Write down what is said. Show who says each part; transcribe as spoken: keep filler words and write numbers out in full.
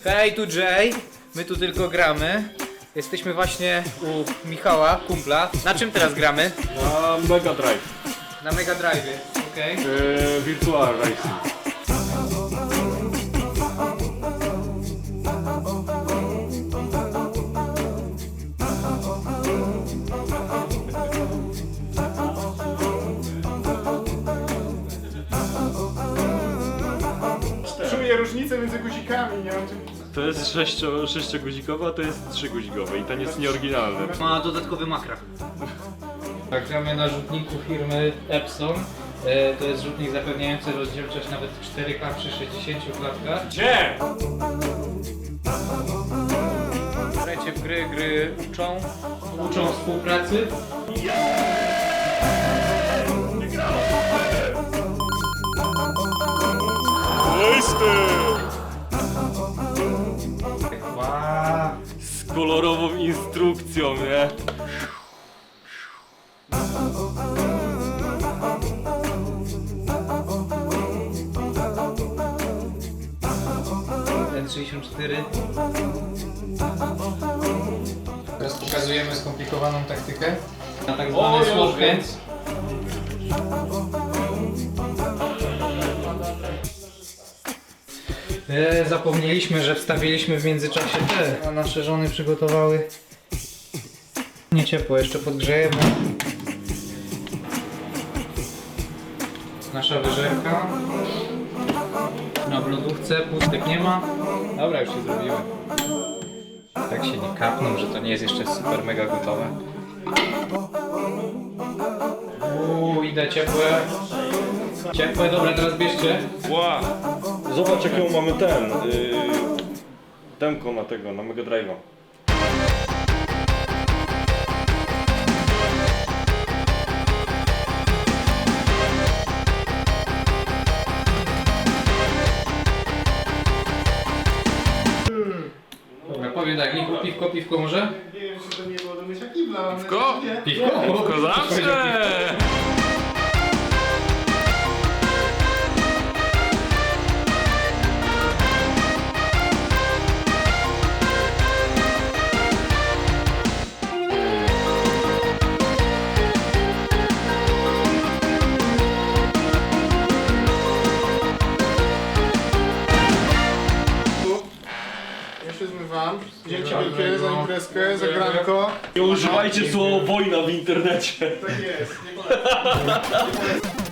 Speaker 1: Hej, tu Jay. My tu tylko gramy. Jesteśmy właśnie u Michała, kumpla. Na czym teraz gramy?
Speaker 2: Na Mega Drive.
Speaker 1: Na Mega Drive, okej. Okay.
Speaker 2: Yy, Virtual Racing.
Speaker 3: Czuję różnicę między guzikami, nie wiem czy...
Speaker 2: To jest sześcio, sześcioguzikowe, a to jest trzyguzikowe i ten jest nieoryginalny.
Speaker 1: Ma dodatkowy makra. Tak, gramy na rzutniku firmy Epson. E, to jest rzutnik zapewniający rozdzielczość nawet cztery K przy sześćdziesięciu klatkach.
Speaker 2: Gdzie?
Speaker 1: Grajcie w gry, gry uczą, uczą współpracy. Wow.
Speaker 2: Z kolorową instrukcją, nie?
Speaker 1: N sześćdziesiąt cztery. Teraz pokazujemy skomplikowaną taktykę na tak zwany sword hands. E, zapomnieliśmy, że wstawiliśmy w międzyczasie te, a nasze żony przygotowały nie ciepło, jeszcze podgrzejemy. Nasza wyżerka na w lodówce, pustek nie ma. Dobra, już się zrobiły. Tak się nie kapną, że to nie jest jeszcze super mega gotowe. Uuu, idę ciepłe. Ciepłe, dobra, teraz bierzcie.
Speaker 2: Wow. Zobacz jaką mamy ten. Yy, demko na tego, na Mega Drive'a.
Speaker 1: Dobra, powiem tak, Liku, piwko, piwko może?
Speaker 3: Nie wiem czy to nie było do mycia kibla, ale...
Speaker 2: Piwko?
Speaker 3: Nie.
Speaker 1: Piwko?
Speaker 2: Tylko zawsze!
Speaker 3: Ja się zmywam. Dzięki wielkie za imprezkę, za granko.
Speaker 2: Nie używajcie słowa wojna w internecie.
Speaker 3: Tak jest, nie polecam. Nie polecam.